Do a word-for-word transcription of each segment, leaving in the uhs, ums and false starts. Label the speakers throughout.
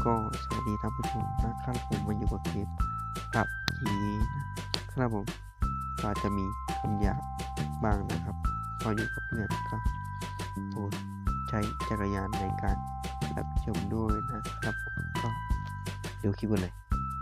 Speaker 1: ก็สวัสดีท่านผู้ชมนะครับผมมาอยู่กับเกมกับทีนะครับผมก็จะมีคำหยาบบ้างนะครับพออยู่กับเพื่อนก็โปรดใช้จักรยานในการรับชมด้วยนะครับผมก็เดี๋ยวคลิปกันเลย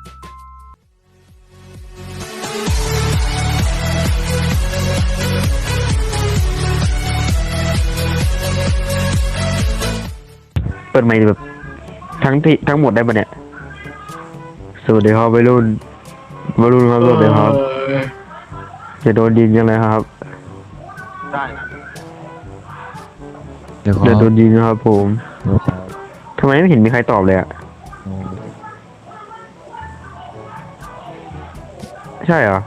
Speaker 1: เปิดไมค์แบบทั้งที่ทั้งหมดได้ปะเนี่ยสวัสดีครับวัยรุ่นวัยรุ่นครับสวัสดีครับจะโดนยิงยังไงครับ
Speaker 2: ได้นะ
Speaker 1: เดี๋ยวโดนยิงนะครับผมทำไมไม่เห็นมีใครตอบเลยอ่ะใช่เหรอ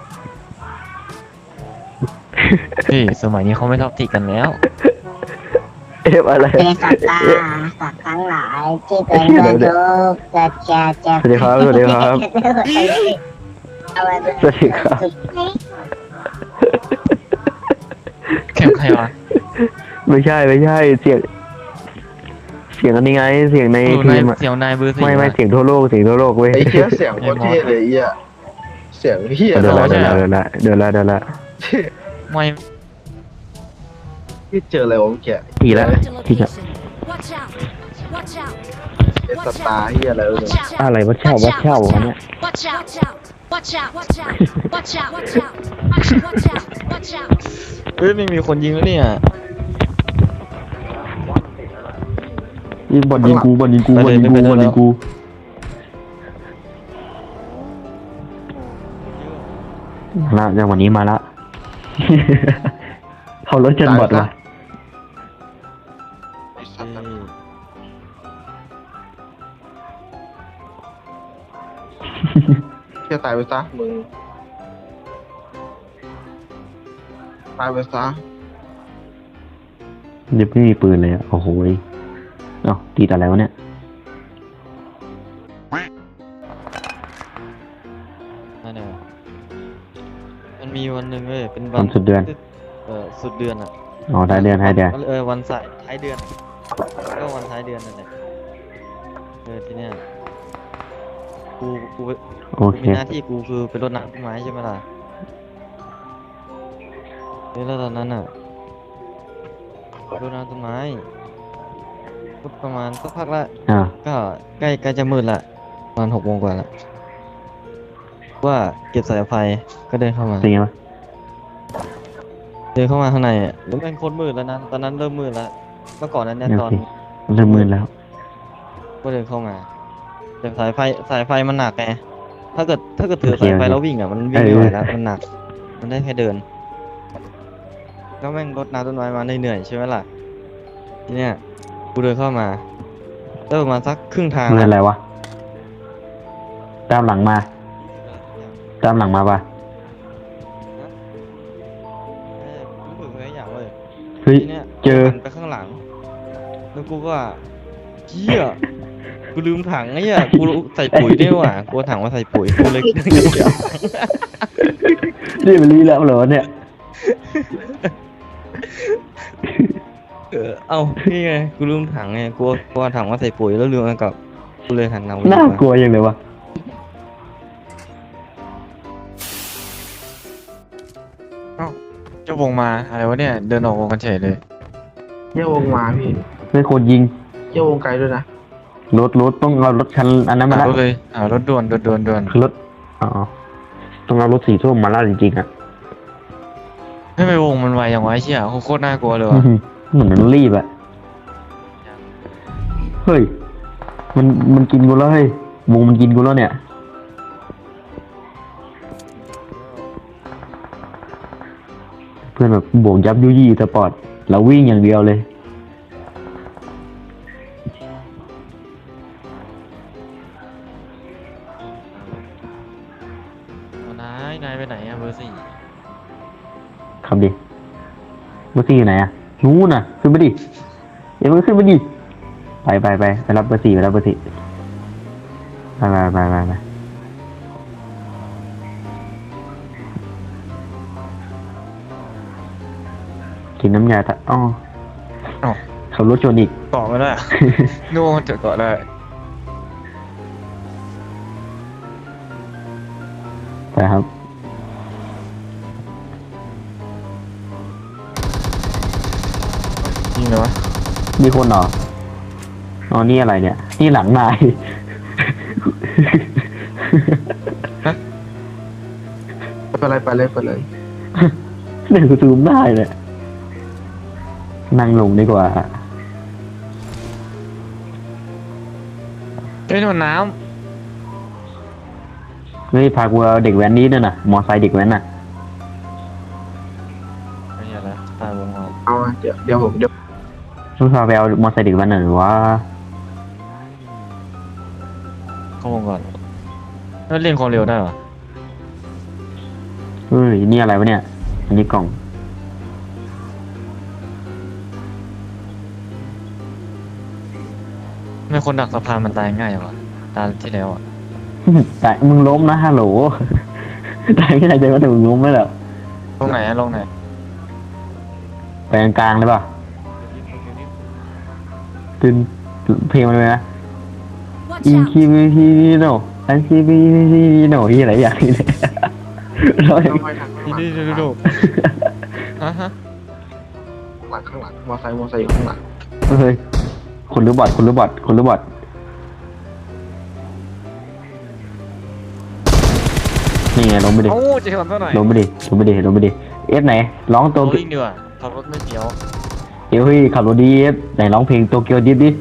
Speaker 3: พี่สมัยนี้เขาไม่ท็อกซิกกันแล้ว
Speaker 1: เอฟอะไร
Speaker 4: เป็นสัตว์ตาสัตว์ทั้งหลายที่เป็นโรคจะจะจะ
Speaker 1: สวัสดีครับสวัสดีครับสวัสดีครับ
Speaker 3: แข่งใครวะ
Speaker 1: ไม่ใช่ไม่ใช่เสียงเสียงอันนี้ไงเสียงในทีม
Speaker 3: เสียงนายเบอร์สี่
Speaker 1: ไม่ไม่เสียงทั่วโลกเสียงทั่วโลกเว้ย
Speaker 2: ไอ้เหี้ยเสียงโคตรเท่เลยเหี้ยเสียงเหี้ย
Speaker 1: เดี๋ยวละเดี๋ยวละเดี๋ยวละเดี๋ยวละเดี๋ยวละ
Speaker 3: ไม่
Speaker 2: ที่เจออะไรวะเมื่อกี้
Speaker 1: ทีละทีละ
Speaker 2: เอสตาร์เหี้ยอะไรเลย
Speaker 1: อะไรวะเช่าวะเช่าวะเนี่ย
Speaker 3: เฮ้ยไม่มีคนยิงแล้วเนี่ย
Speaker 1: ยิงบอลยิงกูบอลยิงกูบอลยิงกูบอลยิงกูละจากวันนี้มาละเขารถจนบอดวะ
Speaker 2: เหี้ยตายไปซะมึงตายไปซะ
Speaker 1: เดี๋ยวไม่มีปืนเลยอ่ะโอ้โหเอ้าติดอะไรวะเนี่ย
Speaker 3: นั่นแหละมันมีวันหนึ่งเลยเป็น
Speaker 1: วันสุดเดือน
Speaker 3: เออสุดเดือนอ่ะ
Speaker 1: อ๋อท้ายเดือนท้ายเดือน
Speaker 3: เออวันสายท้ายเดือนก็วันท้ายเดือนนั่นแหละเออทีเนี้ยกูกู
Speaker 1: โอเค
Speaker 3: มีหน้าที่กูคือเป็นรดน้ำต้นไม้ใช่ไหมล่ะแล้วตอนนั้นอ่ะรดน้ำต้นไม้ก็ประมาณสักพักละก็ใกล้ใกล้จะมืดละประมาณหกโมงกว่าละว่าเก็บสายไฟก็เดินเข้ามา
Speaker 1: เป็นไงวะ
Speaker 3: เดินเข้ามาข้างในอ่ะแล้วเป็นคนมืดแล้วนะตอนนั้นเริ่มมืดแล้วเมื่อก่อนนั้นเนี่ยตอน
Speaker 1: เริ่มมืดแล้ว
Speaker 3: ก็เดินเข้ามาแต่สายไฟสายไฟมันหนักไงถ้าเกิดถ้าเกิดถือสายไฟแล้ววิ่งอ่ะมันวิ่งไม่ไหวแล้วมันหนักมันได้แค่เดินก็แม่งรดน้ำต้นไม้มาเหนื่อยใช่ไหมล่ะทีเนี้ยกูเดินเข้ามาได้ประมาณสักครึ่งทาง
Speaker 1: เงินอะไรวะตามหลังมาตามหลังมาปะ
Speaker 3: รู้สึกอะไรอย่างเลย
Speaker 1: เฮ้ยเจอ
Speaker 3: ไปข้างหลังแล้วกูก็เหี้ยกูลืมถังไอ้เหี้ยกูใส่ปุ๋ยด้วยว่ะกูถังมาใส่ปุ๋ยกูเลย
Speaker 1: นี่มันรีแล้วเหรอเนี่ย
Speaker 3: เออเอานี่ไงกูลืมถังไงกูกูถังมาใส่ปุ๋ยแล้วลืมมันกับกูเลยหันหน้า
Speaker 1: น่ากลัวยังเลยวะ
Speaker 3: เอ้าเจ้าวงมาอะไรวะเนี่ยเดินออกวงกันเฉยเลย
Speaker 2: เจ้าวงมาพี่
Speaker 1: ไม่คนยิง
Speaker 2: เจ้าวงไกลด้วยนะ
Speaker 1: รถรถต้องเอารถคันอันนั้นมาแล้ว
Speaker 3: เลยอ่ารถด่วนรถด่วนด่วน
Speaker 1: รถอ๋อต้องเอารถสีส้มมาล่าจริงๆอ่ะ
Speaker 3: ให้ไปวงมันไวอย่างไวเชี่ยโคตรน่ากลัวเลยว่ะ
Speaker 1: เหมือนมันรีบอ่ะเฮ้ยมันมันกินกูแล้วเฮ้ยวงมันกินกูแล้วเนี่ยเพื่อนแบบบวกยับยุยี่สปอร์ตเราวิ่งอย่างเดียวเลย
Speaker 3: นายนายไปไหนอะเบอร์สี่
Speaker 1: ครับดิเบอร์สี่อยู่ไหนอะนู้นน่ะขึ้นไปดิอย่าเพิ่งขึ้นไปดิไปไปไปไปรับเบอร์สี่ไปรับเบอร์สี่ไปไปไปไปไปกินน้ำยาตะอ้อขับรถชนอีก
Speaker 3: เกาะไม่ได้นู่นจะเกาะได้
Speaker 5: ไปครับ
Speaker 3: ยิงเลยวะ
Speaker 5: มีคนเหรออ๋อนี่อะไรเนี่ย นี่หลังนาย
Speaker 2: ไปเลยไปเลยไปเลย
Speaker 5: เดี๋ยวกูซูมได้เลยนั่งลงดีกว่า
Speaker 3: เฮ้ยโดนน้
Speaker 5: เฮ้ยพากูเอาเด็กแว้นนี้ด้วยนะมอไซค์เด็กแว้นน่ะ
Speaker 3: ำไม่ใช่ละตายวงออก
Speaker 2: เอาเดี๋ยวเดี๋ยวผมเดี๋ยว
Speaker 5: มึงพาไปเอามอไซค์เด็กแว้นหน่อยหรือว่า
Speaker 3: เข้าวงก่อนแล้วเล่นความเร็วได้เหรอ
Speaker 5: เฮ้ยนี่อะไรวะเนี่ย อันนี้กล่อง
Speaker 3: ทำไม่คนดักสะพานมันตายง่ายวะตาที่แล้วอ่ะ
Speaker 5: แต่มึงล้มนะฮัลโหล ตายไม่ได้ใจว่าแต่มึงล้มไม่หรอ
Speaker 3: ลงไหนอะลงไหน
Speaker 5: ไปกลางๆเลยป่ะตึนเพลงมันเลยนะ
Speaker 6: Watch
Speaker 5: อิน
Speaker 6: out!
Speaker 5: คิวิฮิโนอันคิวิฮิโนที่อะไรอย่างนี้เลยเราเอง
Speaker 2: ต้องไปทางข้างห
Speaker 3: นี่
Speaker 2: ลัง
Speaker 3: นี่ดูดูฮะฮะ
Speaker 2: ข้างหลังข้างหลังมอไซค์มอไซค์อยู่ข้างหลัง
Speaker 5: เฮ้ยคุณรู้บอดคุณรู้บอดคุณรู้บอดนี่ไงลงไปดิ
Speaker 3: โอ้จะทำเท่าไหร่
Speaker 5: ลงไปดิลงไปดิลงไปดิเอฟไหนร้องตัว
Speaker 3: โอ้ยดีกว่าขับรถไม่เดี๋ยว
Speaker 5: เดี๋ยวเฮ้ยขับรถดีเอฟไหนร้องเพลงโตเกียวดิฟดิ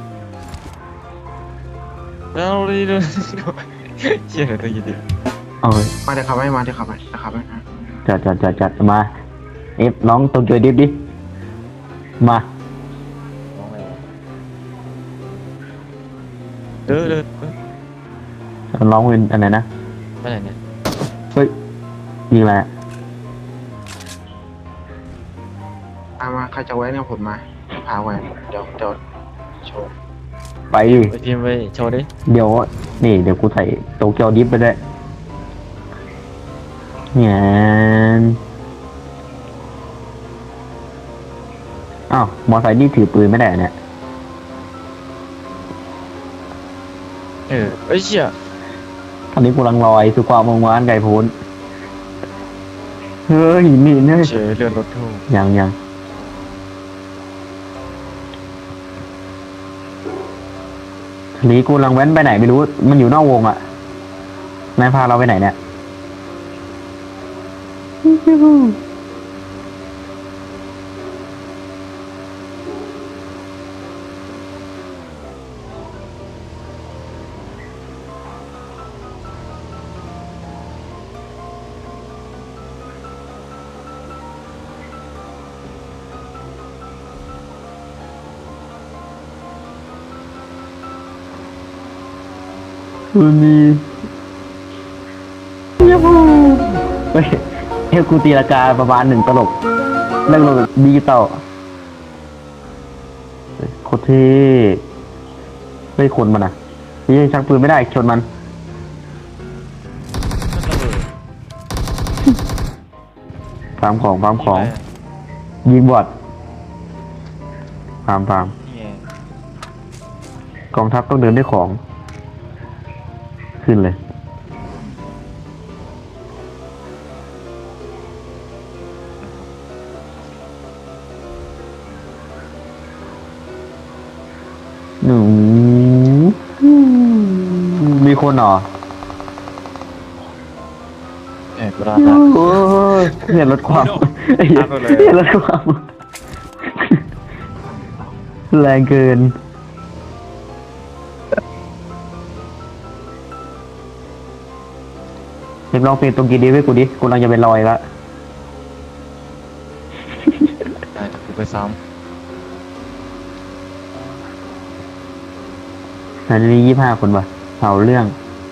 Speaker 3: แล้วดีดูดูเชี่ยเลยตัวยินดี
Speaker 5: เอาเฮ้ย
Speaker 2: มาเดี๋ยวขับให้มาเดี๋ยวขับให้เดี๋ยวขับให้
Speaker 5: จัดจัดจัดจัดมาเอฟร้องโตเกียวดิฟดิมา
Speaker 3: ร้องไงวะเดินเดินเดิน
Speaker 5: ร้องเป็นอะไรนะ
Speaker 3: ไปไหนเนี่ย
Speaker 5: เฮ้ยยิงอะไรอะ
Speaker 2: เอามาใครจะแว้นกับผมมาพาแว้นเดี๋ยวเดี๋ยวโชว์
Speaker 5: ไปดิ
Speaker 3: ไปพิมพ์ไปโชว์ดิ
Speaker 5: เดี๋ยวนี่เดี๋ยวกูใส่โตเกียวดิฟไปด้วยเนี่ยอ้าวมอไซค์นี่ถือปืนไม่ได้เหรอเนี่ย
Speaker 3: เออเอ้ยเชี่ย
Speaker 5: ตอนนี้กูกำลังลอยสู่ความมงวานไก่โพ้นเฮ้ยนี่เนี่ย
Speaker 3: เฉยเลื่อนรถทู่
Speaker 5: ยังยังทีนี้กูกำลังแว้นไปไหนไม่รู้ มันอยู่นอกวงอ่ะนายพาเราไปไหนเนี่ย มันมียูฮูเฮ้ยเฮ้ยกูตีราคาประมาณหนึ่งตลบเรื่องลงดิจิตอลเฮ้ยโคตรเท่เฮ้ยคนมันอ่ะนี่ชักปืนไม่ได้ชนมัน
Speaker 3: มันระเบิด
Speaker 5: ฟาร์มของฟาร์มของ
Speaker 3: นี่ไ
Speaker 5: ยิงบอดฟาร์มฟาร์ม
Speaker 3: นี่ไง
Speaker 5: กองทัพต้องเดินด้วยของ ขึ้นเลย หนูมีคนเหรอ
Speaker 3: เอ็กราดา
Speaker 5: โอ้ยเห็นรถความเห็น
Speaker 3: ตามไปเลย
Speaker 5: รถความแรงเกิน เห็นลองเพลงตรงกีดีไว้กูดิ กูกำลังจะไปลอยละ
Speaker 3: ได้เดี๋ยวกูไปซ้
Speaker 5: อันนี้ยี่ห้าคนว่ะเอาเรื่อง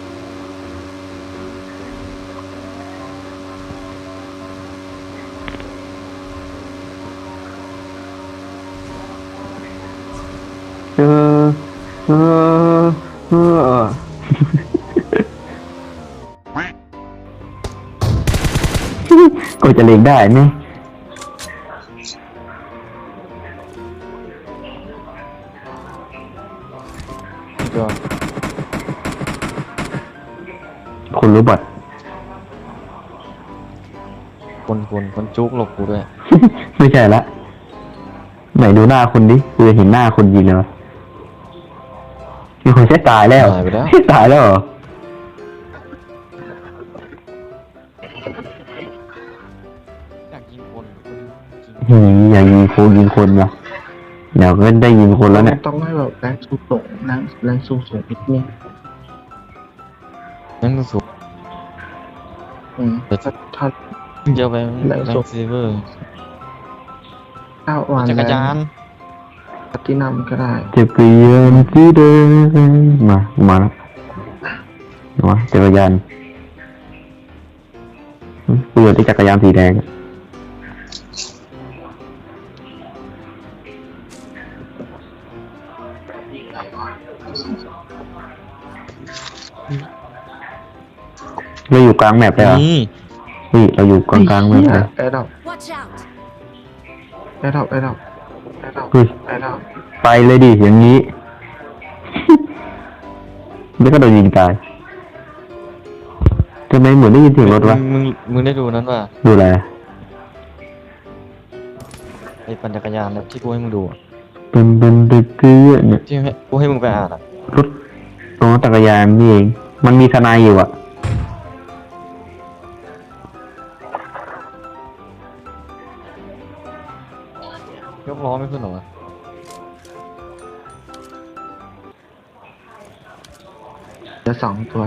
Speaker 5: เออ เออ เออ ก็จะเล็งได้ไหม
Speaker 3: ำก็
Speaker 5: คุณรู้บอด
Speaker 3: คนคนคนจุกหลบกูด้วย
Speaker 5: ไม่ใช่ละไหนดูหน้าคนดิกูจะเห็นหน้าคนยิงเลยวะมีคนแค่ตายแล้ว
Speaker 3: ตายไปแล้ว
Speaker 5: ตายแล้วเหรอ
Speaker 3: อยากยิงคนคนยิง
Speaker 5: หืมอย่ายิงคนยิงคนวะเดี๋ยวก็ได้ยิงคนแล้วเนี่ย
Speaker 2: ต้องให้แบบแรงสูงสูงแรงแรงสูงสูงนิดนึง
Speaker 3: นั่นก็สูง
Speaker 2: อืมถ้าถ้า
Speaker 3: เยอะไป
Speaker 2: แรง
Speaker 3: แร
Speaker 2: สู
Speaker 3: ง
Speaker 2: ง
Speaker 3: ซีเวอร์
Speaker 2: ถ้าวัน
Speaker 3: จักรยาน
Speaker 2: แรงที่นำก็ได้
Speaker 5: จักรยานสีแดงมามาแล้วมาจักรยานหึกูอยากได้จักรยานสีแดงอะเราอยู่กลางแมปเลยเหรอ
Speaker 3: นี่
Speaker 5: นี่เราอยู่กลางกลางๆแมปเลย
Speaker 2: แอร์ดรอป
Speaker 6: Watch out!
Speaker 2: แอร์ดรอปแอร์ดรอปแอร์ดรอป
Speaker 5: เฮ้ย
Speaker 2: แอร์ดรอป
Speaker 5: ไปเลยดิอย่างนี้ แล้วก็โดนยิงตายทำไมเหมือนได้ยินเสียงรถวะ
Speaker 3: มึงมึงมึงได้ดูนั้นป่ะ
Speaker 5: ดูอะไรอะ
Speaker 3: ไอ้ปั่นจักรยานเนี่ยที่กูให้มึงดูอะ
Speaker 5: เป็นเป็นเด็กเกลือเนี่ย
Speaker 3: ที่ให้กูให้มึงไปอ่านอ่ะ
Speaker 5: รถอ๋อจักรยานนี่เอง มันมีทนายอยู่อ่ะ
Speaker 3: ยกล้อไม่ขึ้นหรอวะ
Speaker 2: เหลือสองตัว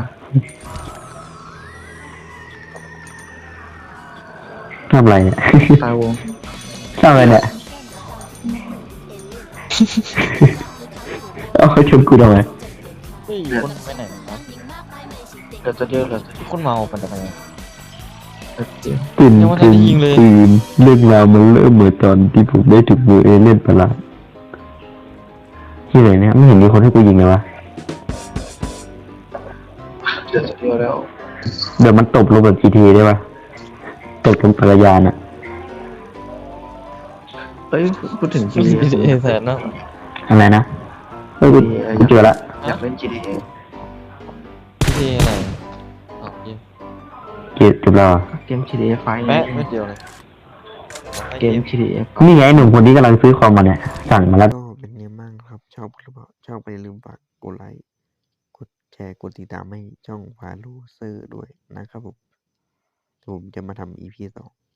Speaker 5: ทำอะไรเนี่ย
Speaker 2: ตายวง
Speaker 5: ทำอะไรเนี่ย เอาเขาชมกูทำไม
Speaker 3: เฮ้ยคนไปไหนวะ
Speaker 2: เหลือจะเยอะเหลือจะ
Speaker 3: คนเมาปั่นจักรยาน
Speaker 2: เยอะ
Speaker 5: ตื่น
Speaker 3: ยังไม่ทัน
Speaker 5: ตื่น
Speaker 3: ได้ยิงเลย
Speaker 5: ตื่นเรื่องราวมันเริ่มเหมือนตอนที่ผมได้ถูกมือเอเลี่ยนประหลาดที่ไหนเนี่ยไม่เห็นมีคนให้กูยิงเลยวะ
Speaker 2: เหลือจะเยอะแล้ว
Speaker 5: เดี๋ยวมันตบลงแบบ จี ที ได้ปะตบลงจักรยานอะ
Speaker 2: เอ้ยพูดถึง
Speaker 3: ไม่
Speaker 2: จี
Speaker 3: ใช่
Speaker 2: ดี
Speaker 3: แสนนะ
Speaker 5: อะไรนะเฮ้ยกูกูเจอละ
Speaker 2: อยากเล่น จี ดี เอ
Speaker 3: ไม่ใช่อะไรอ๋อเหี้ย
Speaker 5: เก็บเก็บแล้วเหรอ
Speaker 2: เกม จี ดี เอ ไฟล์
Speaker 3: แป๊ะไม่เดียวเลย
Speaker 2: เกม จี ดี เอ
Speaker 5: นี่ไงหนุ่มคนนี้กำลังซื้อคอมมาเนี่ย สั่งมาแล้ว
Speaker 1: ก็เป็นไงบ้างครับ ชอบหรือเปล่าชอบก็อย่าลืมฝากกดไลค์กดแชร์กดติดตามให้ช่องพาลูเซอร์ด้วยนะครับผมผมจะมาทำ อี พี สอง